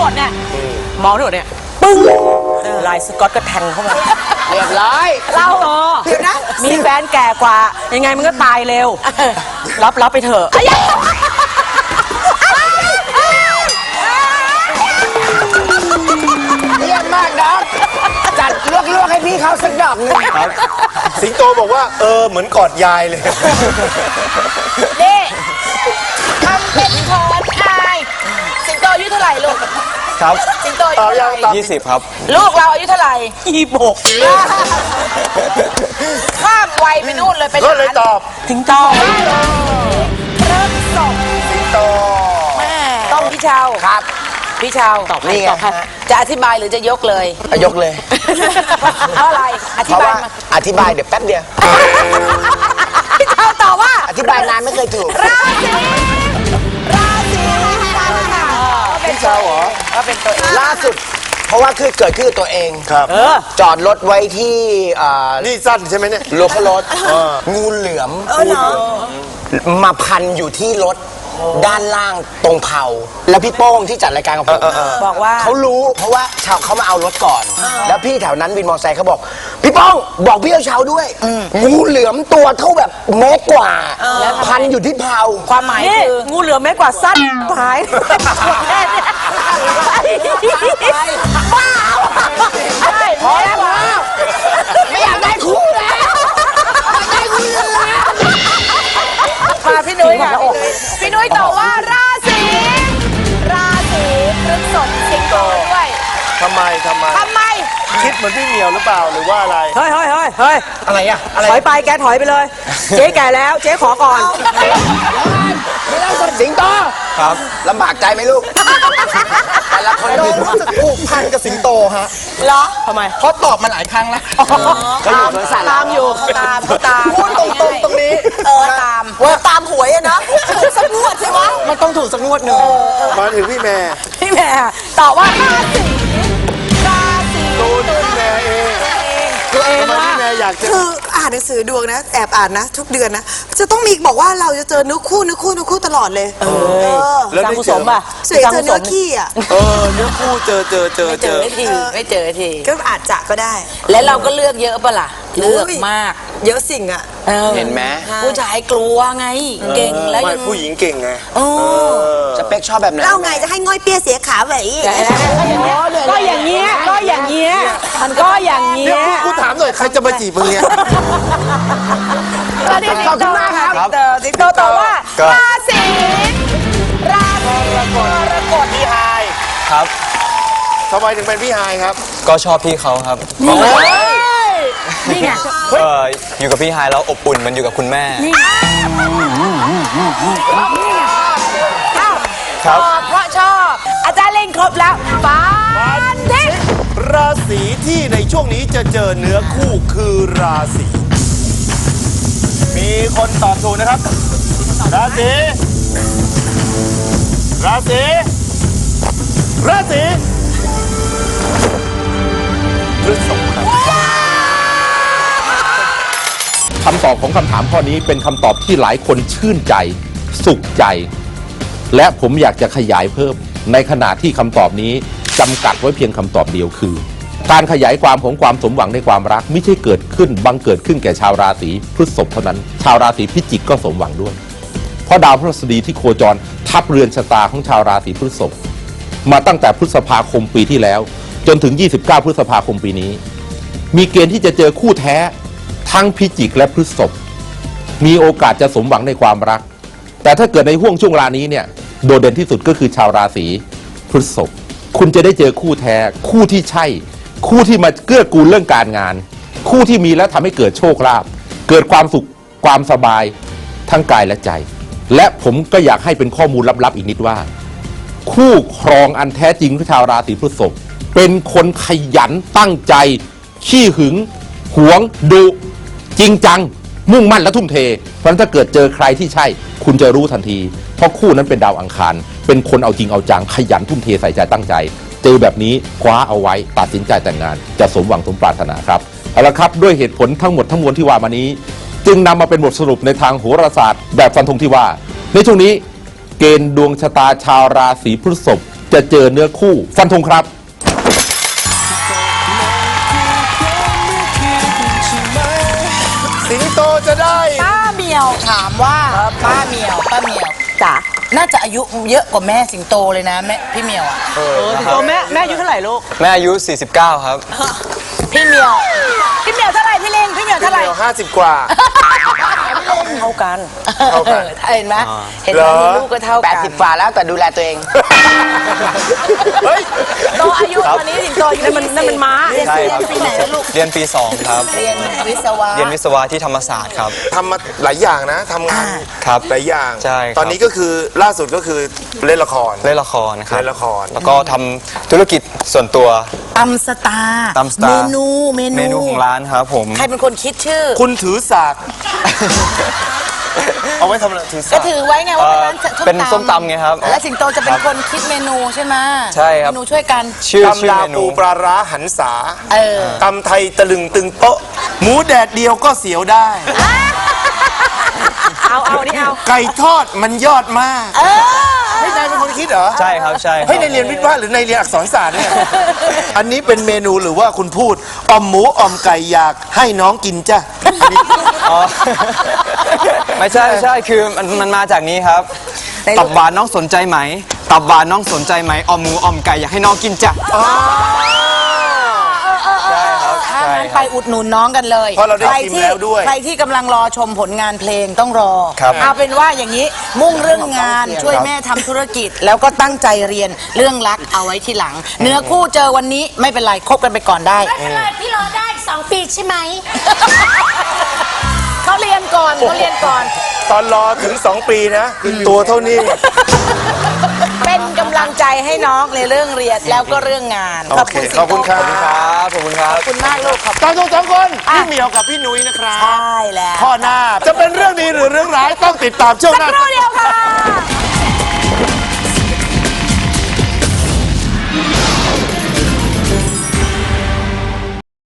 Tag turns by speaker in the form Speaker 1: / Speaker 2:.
Speaker 1: ดเนี่ยมองทั้งหมดเนี่ยปึ้งลายสก๊อตก็แทงเข้ามา
Speaker 2: เรียบร้อย
Speaker 1: เราเดี๋ยวนะมีแฟนแก่กว่ายังไงมันก็ตายเร็วรับไปเถอะ
Speaker 2: เยี่ยมมากน้องจัดลวกให้พี่เขาสักดอกหนึ่ง
Speaker 3: สิงโตบอกว่าเหมือนกอดยายเลย
Speaker 1: นี่ทำเป็นถอนอายสิงโตอายุเท่าไหร่ลูก
Speaker 3: ครับ
Speaker 1: สิงโตอายุเท่าไหร่
Speaker 3: 20ครับ
Speaker 1: ลูกเราอายุเท่าไหร่26ข้ามวัยไปนู่นเลยเป็น
Speaker 3: ก็เลยตอบ
Speaker 1: สิงโตเริ่มส่ง
Speaker 3: สิงโต
Speaker 1: แม่ต้องพี่เชา
Speaker 2: ครับ
Speaker 1: พี่เชาตอบนี่จะอธิบายหรือจะยกเลย
Speaker 2: ยกเลย
Speaker 1: เพราะอะไรอธิบายมา
Speaker 2: อธิบายเดี๋ยวแป๊บเดียว
Speaker 1: พี่เชาตอบว่า
Speaker 2: อธิบายนานไม่เคยถูก
Speaker 1: ราศี
Speaker 3: พี่เชาเหรอ
Speaker 1: ก็เป็นตัว
Speaker 2: ล่าสุดเพราะว่าคือเกิดขึ้นตัวเอง
Speaker 3: ครับ
Speaker 2: จอดรถไว้ที่
Speaker 3: นี่สั้นใช่ไหมเนี่ย
Speaker 2: รถงูเหลือมมาพันอยู่ที่รถด้านล่างตรงเผาแล้วพี่โป้งที่จัดรายการกับผม
Speaker 1: บอกว่า
Speaker 2: เขารู้เพราะว่าชาวเขามาเอารถก่อนแล้วพี่แถวนั้นวินมอเตอร์ไซค์เขาบอกพี่โป้งบอกพี่เช้าด้วยงูเหลือมตัวเท่าแบบเมตรกว่าแล้วพันอยู่ที่เผา
Speaker 1: ความหมายคืองูเหลือมเมตรกว่าสั้นหายบ้า
Speaker 2: พอแล้วไม่อยากได้คู่แล้วได้คู่แล้ว
Speaker 1: มาพี่นุ้ยค่ะพี่นุ้ยตอบว่าราศีพฤษภสิงโตด้วย
Speaker 3: ทำไมคิดเหมือนพี่เหมียวหรือเปล่าหรือว่าอะไร
Speaker 1: เฮ้ย
Speaker 2: อะไรอะ
Speaker 1: ถอยไปแกถอยไปเลยเจ๊แก่แล้วเจ๊ขอก่อน
Speaker 2: ไม่ต้องสนสิงโต
Speaker 3: ครับ
Speaker 2: ลำบากใจไหมลูกแต่ละคน
Speaker 3: รู้สึกผูกพันกับสิงโตฮะ
Speaker 1: เหรอทำไม
Speaker 3: เขาตอบมาหลายครั้งแล้ว
Speaker 2: เขาอยู่สวนสัตว์
Speaker 1: ตามอยู่ตาม
Speaker 3: พูดตรงนี้
Speaker 1: ตามหวยอะเนาะถูกสักงวดใช่ไหม
Speaker 3: มันต้องถูกสักงวดหนึ่งมาถึงพี่แม่
Speaker 1: ตอบว่าราศี
Speaker 3: ตัวพี่แม่เอง
Speaker 1: ตัวเองนะ
Speaker 3: พี่แม่อยากจะ
Speaker 4: คืออ่านหนังสือดวงนะแอบอ่านนะทุกเดือนนะจะต้องมีบอกว่าเราจะเจอเนื้อคู่ตลอดเลย
Speaker 3: แล้วได้เจอ
Speaker 1: ป่ะ
Speaker 4: สวยเจอเนื้อขี้อ่ะ
Speaker 3: เนื้อคู่เจอ
Speaker 1: ไม่เจอที
Speaker 4: ก็อาจจะก็ได้
Speaker 1: แล้วเราก็เลือกเยอะป่ะล่ะเลือกมาก
Speaker 4: เยอะสิ่งอ่ะ
Speaker 2: เห็นไหม
Speaker 1: ผู้ชายกลัวไงเก่งแล้วยัง
Speaker 3: ผู้หญิงเก่งไง
Speaker 2: สเปคชอบแบบไหน
Speaker 4: เราไงจะให้ง่อยเปี้ยเสียขาไว้
Speaker 1: ก็อย่างเงี้ยมันก็อย่างเงี้ย
Speaker 3: กูถามหน่อยใครจะมาจีบมึงเนี่ย
Speaker 1: ขอบคุณมากครับสิงโตตอบว่าราศีกรกฎ
Speaker 3: พี่ไฮ
Speaker 5: ครับ
Speaker 3: ทำไมถึงเป็นพี่ไฮครับ
Speaker 5: ก็ชอบพี่เขาครับ
Speaker 1: นี่ไง
Speaker 5: อยู่กับพี่ไฮแล้วอบอุ่นมันอยู่กับคุณแม่
Speaker 1: ครับเพราะชอบอาจารย์เล่นครบแล้วฟันทิ้ง
Speaker 3: ราศีที่ในช่วงนี้จะเจอเนื้อคู่คือราศีมีคนตอบถูกนะครับราศีพฤษภครับ
Speaker 6: คำตอบของคำถามข้อนี้เป็นคำตอบที่หลายคนชื่นใจสุขใจและผมอยากจะขยายเพิ่มในขณะที่คำตอบนี้จำกัดไว้เพียงคำตอบเดียวคือการขยายความของความสมหวังในความรักไม่ใช่เกิดขึ้นบังเกิดขึ้นแก่ชาวราศีพฤษภเท่านั้นชาวราศีพิจิกก็สมหวังด้วยเพราะดาวพฤหัสบดีที่โคจรทับเรือนชะตาของชาวราศีพฤษภมาตั้งแต่พฤษภาคมปีที่แล้วจนถึง29พฤษภาคมปีนี้มีเกณฑ์ที่จะเจอคู่แท้ทั้งพิจิกและพฤษภมีโอกาสจะสมหวังในความรักแต่ถ้าเกิดในห่วงช่วงเวลานี้เนี่ยโดดเด่นที่สุดก็คือชาวราศีพฤษภคุณจะได้เจอคู่แท้คู่ที่ใช่คู่ที่มาเกื้อกูลเรื่องการงานคู่ที่มีแล้วทำให้เกิดโชคลาภเกิดความสุขความสบายทั้งกายและใจและผมก็อยากให้เป็นข้อมูลลับๆอีกนิดว่าคู่ครองอันแท้จริงของชาวราศีพฤษภเป็นคนขยันตั้งใจขี้หึงหวงดุจริงจังมุ่งมั่นและทุ่มเทเพราะฉะนั้นถ้าเกิดเจอใครที่ใช่คุณจะรู้ทันทีเพราะคู่นั้นเป็นดาวอังคารเป็นคนเอาจริงเอาจังขยันทุ่มเทใส่ใจตั้งใจเจอแบบนี้คว้าเอาไว้ตัดสินใจแต่งงานจะสมหวังสมปรารถนาครับเอาละครับด้วยเหตุผลทั้งหมดทั้งมวลที่ว่ามานี้จึงนำมาเป็นบทสรุปในทางโหราศาสตร์แบบฟันธงที่ว่าในช่วงนี้เกณฑ์ดวงชะตาชาวราศีพฤษภจะเจอเนื้อคู่ฟันธงครับ
Speaker 3: สิงโตจะได้
Speaker 1: ป้าเหมียวถามว่าป้าเหมียวจ๋าน่าจะอายุเยอะกว่าแม่สิงโตเลยนะแม่พี่เหมียวอ่ะ
Speaker 4: สิงโตแม่อายุเท่าไหร่ลูก
Speaker 5: แม่อายุ 49 ครับ
Speaker 1: พี่เหมียวเท่าไหร่พี่เล้งพี่เหมียวเท่าไหร่
Speaker 3: เดี๋ยว50 กว่า
Speaker 1: เท่ากัน
Speaker 3: เท่ากัน
Speaker 1: เห็นไหมเห็นไห
Speaker 3: เหร
Speaker 1: ม
Speaker 3: อ
Speaker 1: มีลูกก็เท่ากัน
Speaker 2: 80ฝ่าแล้วแต่ดูแลตัวเอง
Speaker 3: เฮ้ย
Speaker 1: โตอายุตอนนี้สิงโตอายุนั่นมันม้าเรียน
Speaker 5: ใช่ครับ
Speaker 1: ปีไหนแล้วลูก
Speaker 5: เรียนปี 2 ครับ
Speaker 1: เรียนวิศวะ
Speaker 5: เรียนวิศวะที่ธรรมศาสตร์ครับ
Speaker 3: ทำมาหลายอย่างนะทำงาน
Speaker 5: ครับ
Speaker 3: หลายอย่าง
Speaker 5: ใช่ครับ
Speaker 3: ตอนนี้ก็คือล่าสุดก็คือเล่นละคร
Speaker 5: เล่นละครนะครับ
Speaker 3: เล่นละคร
Speaker 5: แล้วก็ทำธุรกิจส่วนตัว
Speaker 1: ตำสตาร์
Speaker 5: ตำสตาร์
Speaker 1: เมนู
Speaker 5: เมนูของร้านครับผม
Speaker 1: ใครเป็นคนคิดชื่อ
Speaker 3: คุณถือสาก เอาไว้ทำอะไรถือสา
Speaker 1: ก็
Speaker 3: ก
Speaker 1: ถือไว้ไงว่าเป็นร้าน
Speaker 5: เป็นส้มตำไงครับ
Speaker 1: และสิงโตจะเป็นคนคิดเมนูใช่ไหม
Speaker 5: ใช่ครับ
Speaker 1: เมนูช่วยกัน
Speaker 5: ชื่อ
Speaker 3: ตำลา
Speaker 5: เมนู
Speaker 3: ปูปลาร้าหันษา
Speaker 1: เออ
Speaker 3: ตำไทยตะลึงตึงโต๊ะ หมูแดดเดียวก็เสียวได้
Speaker 1: เอานี่เอา
Speaker 3: ไก่ทอดมันยอดมากไม่นายเป็นคนคิดเหรอ
Speaker 5: ใช่ครับใช่ครับ
Speaker 3: เฮ้ยในเรียนวิทย์วะหรือในเรียนอักษรศาสตร์เนี่ย อันนี้เป็นเมนูหรือว่าคุณพูดอ่อมหมูอ่อมไก่อยากให้น้องกินจ้ะ
Speaker 5: อ๋อ ไม่ใช่คือมันมาจากนี้ครับ ตับหวานน้องสนใจไหม ตับหวานน้องสนใจไหมออมหมูออมไก่อยากให้น้องกินจ้ะใช่ครับ
Speaker 1: ถ้า
Speaker 5: ใช่
Speaker 1: งั้น
Speaker 5: ค
Speaker 1: ไป
Speaker 5: รับ
Speaker 1: อุดหนุนน้องกันเลย
Speaker 3: เพราะเราได้ชิมแล้วด้วย
Speaker 1: ใครที่กำลังรอชมผลงานเพลงต้องรอ
Speaker 5: ครับ
Speaker 1: เอาเป็นว่าอย่างนี้มุ่งเรื่องงานช่วยแม่ทำธุรกิจ แล้วก็ตั้งใจเรียนเรื่องรักเอาไว้ทีหลัง เนื้อคู่เจอวันนี้ไม่เป็นไรคบกันไปก่อนได้
Speaker 7: ไม่เป็นไรพี่รอได้2 ปีใช่ไหม
Speaker 1: เขาเรียนก่อน
Speaker 3: ตอนรอถึง 2 ปีนะ ตัวเท่านี้
Speaker 1: เป็นกำลังใจให้น้องในเรื่องเรียนแล้วก็เรื่องงาน
Speaker 3: โอเคขอบคุณครับ
Speaker 5: ครับขอบคุณครับ
Speaker 1: ขอบคุณมากลูกขอบ
Speaker 3: ตอนสองคน พี่เหมียวกับพี่นุ้ยนะครับ
Speaker 1: ใช่แล้ว
Speaker 3: ข้อหน้าจะเป็นเรื่องดีหรือเรื่องร้ายต้องติดตามช่วง
Speaker 1: สัก
Speaker 3: หน้า
Speaker 1: ครู่เดียวค่ะ